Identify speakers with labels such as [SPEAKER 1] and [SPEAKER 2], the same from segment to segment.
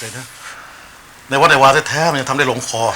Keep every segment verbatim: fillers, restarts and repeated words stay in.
[SPEAKER 1] เลยนะในวัดในวาแท้ๆมันยังทำได้ลงคอ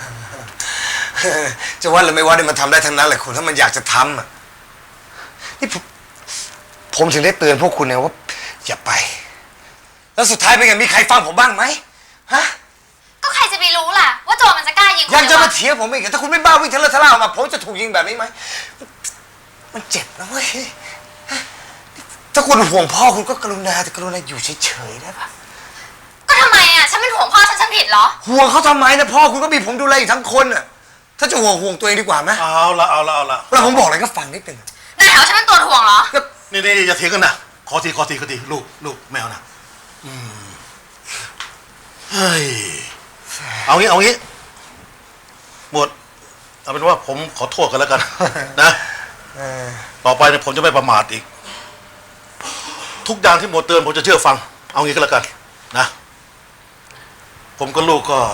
[SPEAKER 2] จะว่าหรือไม่ว่าเนี่ยมันทำได้ทั้งนั้นแหละคุณถ้ามันอยากจะทำอ่ะนี่ผมผมถึงได้เตือนพวกคุณไงว่าอย่าไปแล้วสุดท้ายเป็นไงมีใครฟังผมบ้างไหมฮะ
[SPEAKER 3] ก็ใครจะไปรู้ล่ะว่าโจรมันจะกล้ายิง
[SPEAKER 2] ยังจะมาเถียงผมอีกถ้าคุณไม่บ้าวิ่งทะเลาะทะเลาะออกมาผมจะถูกยิงแบบนี้ไหมมันเจ็บนะเว้ยถ้าคุณห่วงพ่อคุณก็กรุณาแต่กรุณาอยู่เฉยๆได้ปะ
[SPEAKER 3] ก็ทำไมอ่ะฉันเป็นห่วงพ่อฉันฉันผิดเหรอ
[SPEAKER 2] ห่วงเขาทำไมนะพ่อคุณก็มีผมดูแลอยู่ทั้งคนอ่ะถ้าจะห่วงห่วงตัวเองดีกว่าไหม
[SPEAKER 1] เอาละเอาละเอาละ
[SPEAKER 2] แล้วผมบอกอะไรก็ฟังนิดนึง
[SPEAKER 3] นายแถวฉันเป็นตัวห่วงเหรอ
[SPEAKER 1] นี่นี่อย่าเถียงกันนะขอทีขอทีขอทีลูกลูกแมวนะอืมเฮ้ยเอางี้เอางี้หมดเอาเป็นว่าผมขอโทษกันแล้วกันนะต่อไปเนี่ยผมจะไม่ประมาทอีกทุกอย่างที่หมดเตือนผมจะเชื่อฟังเอางี้ก็แล้วกันนะผมกับลูกก็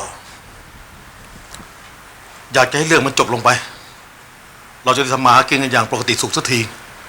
[SPEAKER 1] อยากจะให้เรื่องมันจบลงไปเราจะได้ทำมาหากินกันอย่างปกติสุขสักที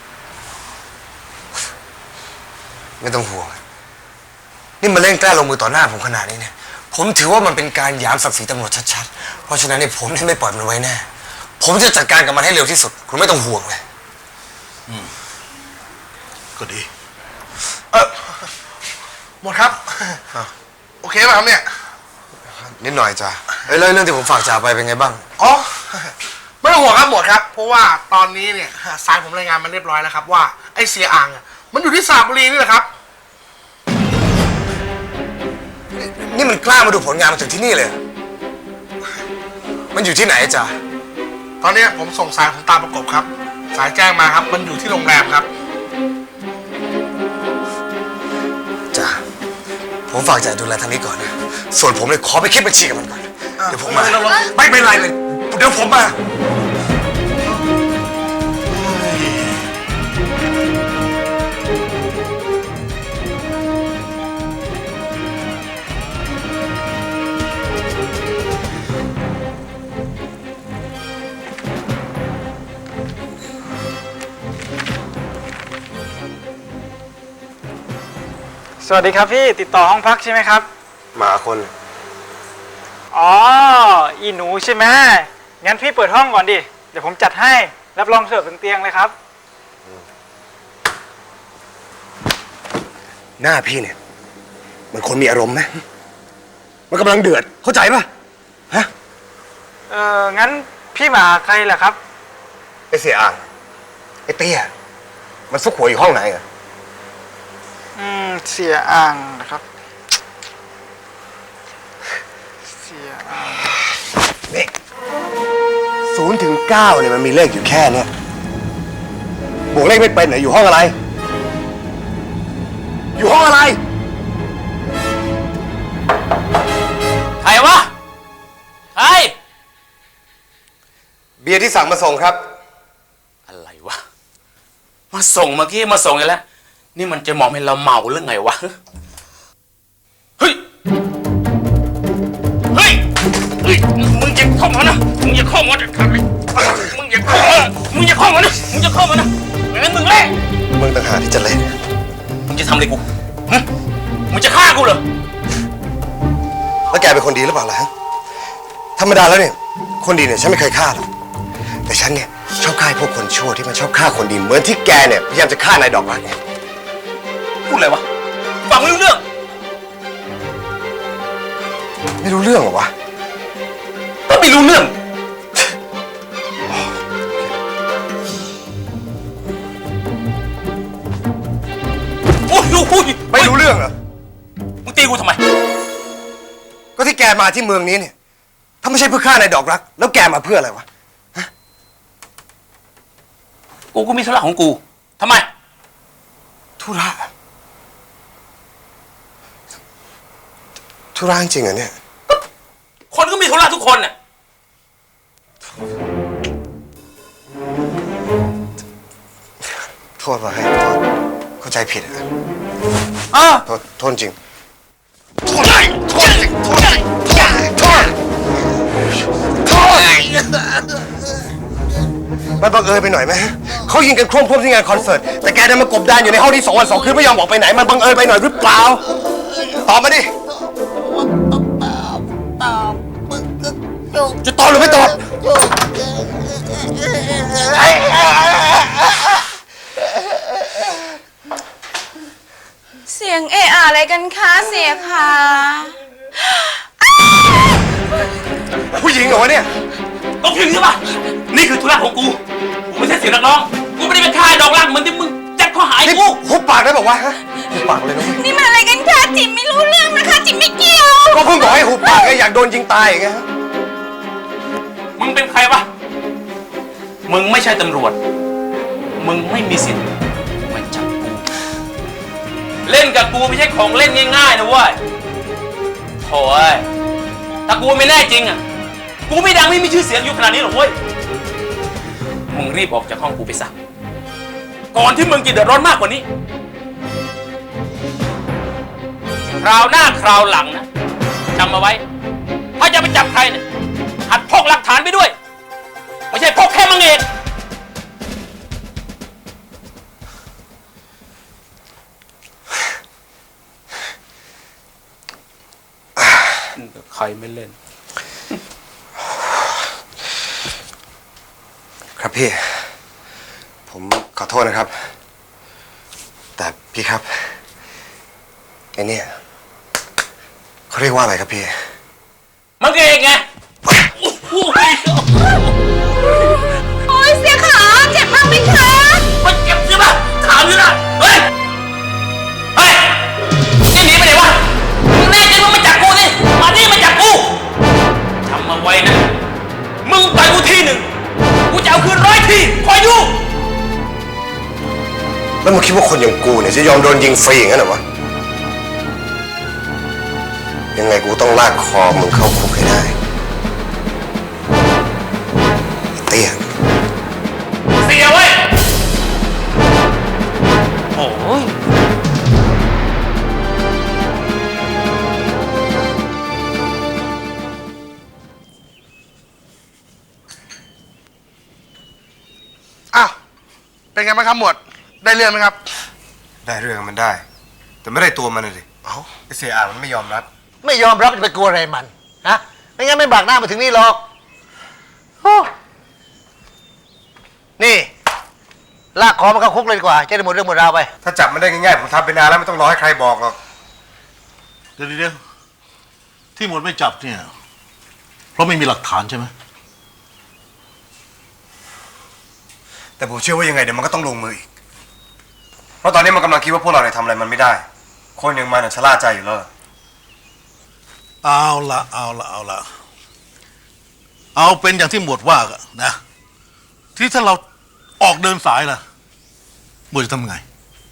[SPEAKER 2] ไม่ต้องห่วงนี่มาเล่นกล้าลงมือต่อหน้าผมขนาดนี้เนี่ยผมถือว่ามันเป็นการหยามศักดิ์ศรีตำรวจชัดๆเพราะฉะนั้นเนี่ยผมไม่ปล่อยมันไว้แน่ผมจะจัดการกับมันให้เร็วที่สุดคุณไม่ต้องห่วงเลย
[SPEAKER 1] อืมก็ดี
[SPEAKER 4] เออหมดครับโอเคป่ะครับเนี่ย
[SPEAKER 2] นิดหน่อยจ้ะเอ้ยเรื่องที่ผมฝากจ่าไปเป็นไงบ้าง
[SPEAKER 4] อ๋อไม่ต้องห่วงครับหมดครับเพราะว่าตอนนี้เนี่ยสายผมรายงานมันเรียบร้อยแล้วครับว่าไอ้เสียอ่างมันอยู่ที่สระบุรีนี่แหละครับ
[SPEAKER 2] นี่มันกล้ามาดูผลงานมาถึงที่นี่เลยมันอยู่ที่ไหนจ๊ะ
[SPEAKER 4] ตอนนี้ผมส่งสายผมตามประกบครับสายแจ้งมาครับมันอยู่ที่โรงแรมครับ
[SPEAKER 2] จ้ะผมฝากจ่าดูแลทางนี้ก่อนนะส่วนผมเลยขอไปคิดบัญชีกับมันก่อนเดี๋ยวผมมาไม่เป็นไรเลยเดี๋ยวผมมา
[SPEAKER 5] สวัสดีครับพี่ติดต่อห้องพักใช่ไหมครับ
[SPEAKER 2] มาคน
[SPEAKER 5] อ๋ออีหนูใช่ไหมงั้นพี่เปิดห้องก่อนดิเดี๋ยวผมจัดให้รับรองเสิร์ฟถึงเตียงเลยครับ
[SPEAKER 2] หน้าพี่เนี่ยมันคนมีอารมณ์ไหมมันกำลังเดือดเข้าใจปะฮะ
[SPEAKER 5] เอองั้นพี่มาใครล่ะครับ
[SPEAKER 2] ไอเสียอ่างไอเตี้ยมันซุกหัวอยู่ห้องไหนอะ
[SPEAKER 5] อืมเสียอ่างนะครับเสียอ่าง
[SPEAKER 2] นี่ศูนย์ถึงเก้าเนี่ยมันมีเลขอยู่แค่เนี้ยบวกเลขไม่เป็นเหรออยู่ห้องอะไรอยู่ห้องอะไร
[SPEAKER 6] ใครวะใคร
[SPEAKER 2] เบียร์ที่สั่งมาส่งครับ
[SPEAKER 6] อะไรวะมาส่งเมื่อกี้มาส่งอีกแล้วนี่มันจะมองให้เราเมาหรือไงวะเฮ้ยเฮ้ยเฮ้ยมึงอย่าเข้ามานะมึงอย่าเข้ามาจะทำอะไรมึงอย่าเข้ามามึงอย่าเข้ามานะมึงอย่าเข้ามานะไม่งั้นมึงเละ
[SPEAKER 2] มึงต่างหากที่จะเละ
[SPEAKER 6] มึงจะทำอะไรกูฮะมึงจะฆ่ากูเหรอ
[SPEAKER 2] แล้วแกเป็นคนดีหรือเปล่าล่ะธรรมดาแล้วเนี่ยคนดีเนี่ยฉันไม่เคยฆ่าหรอกแต่ฉันเนี่ยชอบฆ่าพวกคนชั่วที่มันชอบฆ่าคนดีเหมือนที่แกเนี่ยพยายามจะฆ่านายดอกรักไง
[SPEAKER 6] พูดอะไรวะฟังไม่รู้เรื่อง
[SPEAKER 2] ไม่รู้เรื่องเหรอวะ
[SPEAKER 6] ก็ไม่รู้เรื่องโอ้ยโอ้ย
[SPEAKER 2] ไม่รู้เรื่องเหรอ
[SPEAKER 6] มึงตีกูทำไม
[SPEAKER 2] ก็ที่แกมาที่เมืองนี้เนี่ยถ้าไม่ใช่เพื่อฆ่านายดอกรักแล้วแกมาเพื่ออะไรวะ
[SPEAKER 6] กูก็มีธุระของกูทำไม
[SPEAKER 2] ธุระธุระจริงเหรอเนี่ย
[SPEAKER 6] คนก็มีธุระทุกคนน่ะ
[SPEAKER 2] โทษว่ะให้โทษเข้าใจผิดอ่ะ
[SPEAKER 6] อ้า
[SPEAKER 2] โทษโทษจริงโทษโทษจริงโทษโทษโทษมันบังเอิญไปหน่อยไหมเขายิงกันโครมๆที่งานคอนเสิร์ตแต่แกได้มากบดานอยู่ในห้องที่สองวันสองคืนไม่ยอมออกไปไหนมันบังเอิญไปหน่อยหรือเปล่าตอบมาดิจะตอบหรือไม่ตอบ
[SPEAKER 7] เสียงเอะอะอะไรกันคะเสียคะ
[SPEAKER 2] ผู้หญิงเหรอวะเนี่ย
[SPEAKER 6] ต้องถึงใช่ปะนี่คือธุระของกู กูไม่ใช่เสียงนักร้อง กูไม่ได้เป็นค่ายดอกรักเหมือนที่มึงจัดข้อหาไอ้
[SPEAKER 2] นี่
[SPEAKER 6] กู
[SPEAKER 2] หุบปากได้บอกว่าวะฮะหุบปากเลยนะเว้ย
[SPEAKER 7] นี่มันอะไรกันคะจิมไม่รู้เรื่องนะคะจิมไม่เกี่ยว
[SPEAKER 2] ก็เพิ่งบอกให้หุบปากไงอยากโดนยิงตายไงฮะ
[SPEAKER 6] มึงเป็นใครวะ มึงไม่ใช่ตำรวจ มึงไม่มีสิทธิ์มาจับกู เล่นกับกูไม่ใช่ของเล่นง่ายๆนะเว้ยโถ่เอ้ยถ้ากูไม่แน่จริงอ่ะ กูไม่ดังไม่มีชื่อเสียงอยู่ขนาดนี้หรอกเว้ย มึงรีบออกจากห้องกูไปซะ ก่อนที่มึงจะเดือดร้อนมากกว่านี้ คราวหน้าคราวหลังนะจำเอาไว้ ถ้าจะไปจับใครเนี่ยหัดพกหลักฐานไปด้วย ไม่ใช่พกแค่มังเอกใครไม่เล่น
[SPEAKER 2] ครับพี่ ผมขอโทษนะครับ แต่พี่ครับไอ้เนี่ยเขาเรียกว่าอะไรครับพี่
[SPEAKER 6] มังเอกไง
[SPEAKER 7] โอ้ยเสียขาเจ็บมากไหมคะ
[SPEAKER 6] มันเจ็บใช่ปะถามอยู่นะเฮ้ย เฮ้ยจะหนีไปไหนวะ มึงแน่จริงมึงมาจับกูสิมานี่มาจับกูจำมาไว้นะ มึงต่อยกูทีหนึ่ง กูจะเอาคืนร้อยทีคอยดู
[SPEAKER 2] แล้วมึงคิดว่าคนอย่างกูเนี่ยจะยอมโดนยิงฟรีอย่างนั้นเหรอวะ ยังไงกูต้องลากคอมึงเข้าคุกให้ได้ไอ้เตี้ย
[SPEAKER 6] เสียเว้ย โอ้ย
[SPEAKER 4] อ้าว เป็นไงบ้างครับหมวด ได้เรื่องไหมครับ
[SPEAKER 2] ได้เรื่องมันได้ แต่ไม่ได้ตัวมันเลยเอ้าไอ้เสียอ่างมันไม่ยอมรับ
[SPEAKER 8] ไม่ยอมรับจะไปกลัวอะไรมันฮะไม่งั้นไม่บากหน้ามาถึงนี่หรอกโอ้นี่ลากคอมันเข้าคุกเลยดีกว่าจะได้หมดเรื่องหมดราวไป
[SPEAKER 2] ถ้าจับมันได้ง่ายๆผมทำไปนานแล้วไม่ต้องรอให้ใครบอกหรอก
[SPEAKER 1] เดี๋ยวเดี๋ยวที่หมดไม่จับเนี่ย เพราะไม่มีหลักฐานใช่ไหม
[SPEAKER 2] แต่ผมเชื่อว่ายังไงเดี๋ยวมันก็ต้องลงมืออีก เพราะตอนนี้มันกำลังคิดว่าพวกเราเนี่ยทำอะไรมันไม่ได้ คนอย่างมันน่ะชะล่าใจอยู่แล้ว
[SPEAKER 1] เอาละเอาละเอาละเอาเป็นอย่างที่หมวดว่ากันนะ ที่ถ้าเราออกเดินสายล่ะหมวดจะทำไง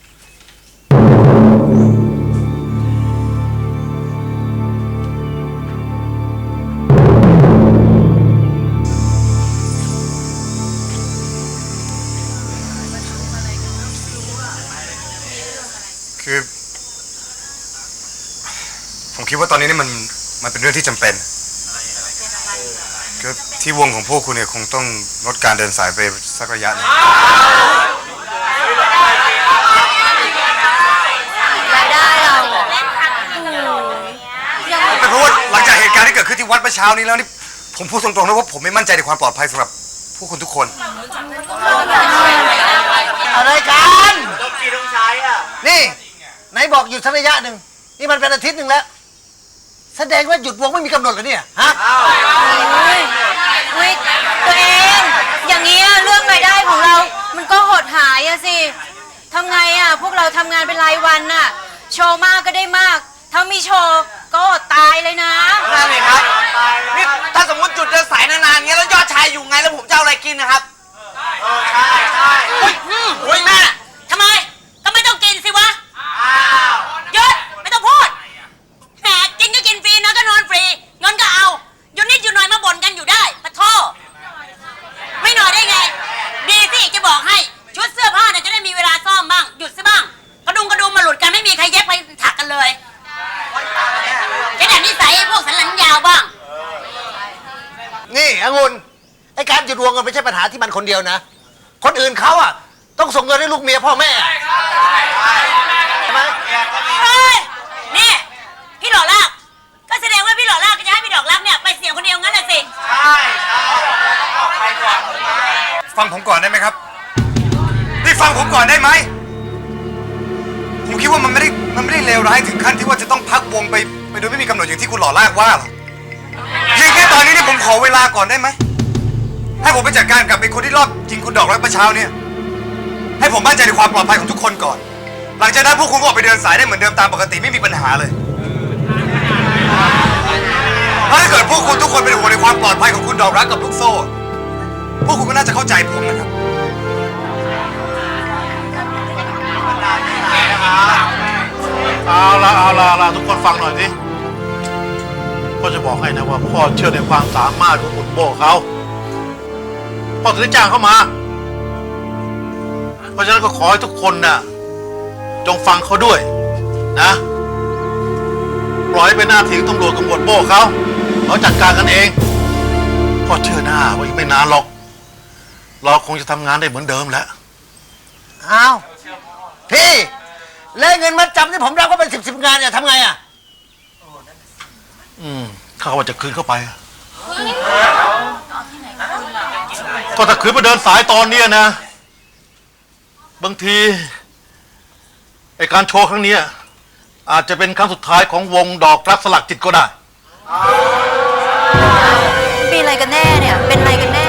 [SPEAKER 2] คือ ผมคิดว่าตอนนี้นี่มันมันเป็นเรื่องที่จำเป็นคือที่วงของพวกคุณเนี่ยคงต้องลดการเดินสายไปสักระยะหนึง
[SPEAKER 3] รายได้เรา
[SPEAKER 2] เป็นเพราะว่าหลังจากเหตุการณ์ที่เกิดขึ้นที่วัดเมื่อเช้านี้แล้วนี่ผมพูดตรงๆนะว่าผมไม่มั่นใจในความปลอดภัยสำหรับพวกคุณทุกคน
[SPEAKER 8] อะไรกันนี่ไหนบอกหยุดสักระยะหนึ่งนี่มันเป็นอาทิตย์หนึ่งแล้ว แสดงว่าหยุดวงไม่มีกำหนดเลยเนี่ยฮะ
[SPEAKER 7] เฮ้ยตัวเองอย่างนี้เรื่องรายได้ของเรา มันก็หดหายอะสิทำไงอะพวกเราทำงานเป็นรายวันน่ะโชว์มากก็ได้มาก ถ้ามีโชว์ก็อดตายเลยนะ
[SPEAKER 9] นั่นเองครับนี่ถ้าสมมติจุดเดินสายนานๆเงี้ยแล้วยอดชายอยู่ไงแล้วผมจะเอาอะไรกินนะครับเออใช่ใช่
[SPEAKER 7] อุ้ยอุ้ยแม่ทำไมก็ไม่ต้องกินสิวะหยุดไม่ต้องพูดแหมกินก็กินฟรีนอนก็นอนฟรีเงินก็เอาอยู่นิดอยู่หน่อยมาบ่นกันอยู่ได้ปะโทไม่หน่อยได้ไง ดีสิจะบอกให้ชุดเสื้อผ้าเนี่ยจะได้มีเวลาซ่อมบ้างหยุดซะบ้างกระดุมกระดุมมาหลุดกันไม่มีใครเย็บไปถักกันเลยแค่แต่นิสัยพวกสันหลังยาวบ้าง
[SPEAKER 8] นี่องุ่นไอการหยุดวงมันไม่ใช่ปัญหาที่มันคนเดียวนะ คนอื่นเขาอ่ะต้องส่งเงินให้ลูกเมียพ่อแม่ใช่ไหม
[SPEAKER 7] เฮ้ยนี่พี่หล่อลากก็แสดงว่าพี่หล่อลากก็จะให้พี่ดอกรักเนี่ยไปเสี่ยงคนเดียวงั้นแหละสิ
[SPEAKER 9] ใช่
[SPEAKER 2] ฟังผมก่อนได้ไหมครับนี่ฟังผมก่อนได้ไหมผมคิดว่ามันไม่ได้มันไม่ได้เลวร้ายถึงขั้นที่ว่าจะต้องพักวงไปไปโดยไม่มีกำหนดอย่างที่คุณหล่อลากว่าหรอกเพียงแค่ตอนนี้เนี่ยผมขอเวลาก่อนได้ไหมให้ผมไปจัดการกับไอ้คนที่รอบยิงคุณดอกรักประเช้าเนี่ยให้ผมมั่นใจในความปลอดภัยของทุกคนก่อนหลังจากนั้นพวกคุณก็ออกไปเดินสายได้เหมือนเดิมตามปกติไม่มีปัญหาเลยถ้าเกิดพวกคุณทุกคนเป็นห่วงในความปลอดภัยของคุณดอกรักกับลูกโซ่พวกคุณก็น่าจะเข้าใจผมนะครับ
[SPEAKER 1] เอาละเอาละเอาละทุกคนฟังหน่อยสิพ่อจะบอกให้นะว่าพ่อเชื่อในความสามารถของคุณโบเขาพ่อถึงได้จ้างเขามา เพราะฉะนั้นก็ขอให้ทุกคนน่ะจงฟังเขาด้วยนะปล่อยให้เป็นหน้าที่ของตำรวจกับหมวดโบเขาเขาจัดการกันเองพ่อเชื่อหน้าว่าอีกไม่นานหรอกเราคงจะทำงานได้เหมือนเดิมแล้ว
[SPEAKER 8] อ้าวพี่แล้วเงินมัดจำที่ผมรับก็เป็นสิบสิบงานเนี่ยทำไงอ่ะ
[SPEAKER 1] อืมถ้าเขาว่าจะคืนเข้าไปอะก็ถ้าคืนมาเดินสายตอนเนี้ยนะบางทีไอการโชว์ครั้งเนี้ยอาจจะเป็นครั้งสุดท้ายของวงดอกรักสลักจิตก็ได้
[SPEAKER 3] มีอะไรกันแน่เนี่ย เป็นอะไรกันแน่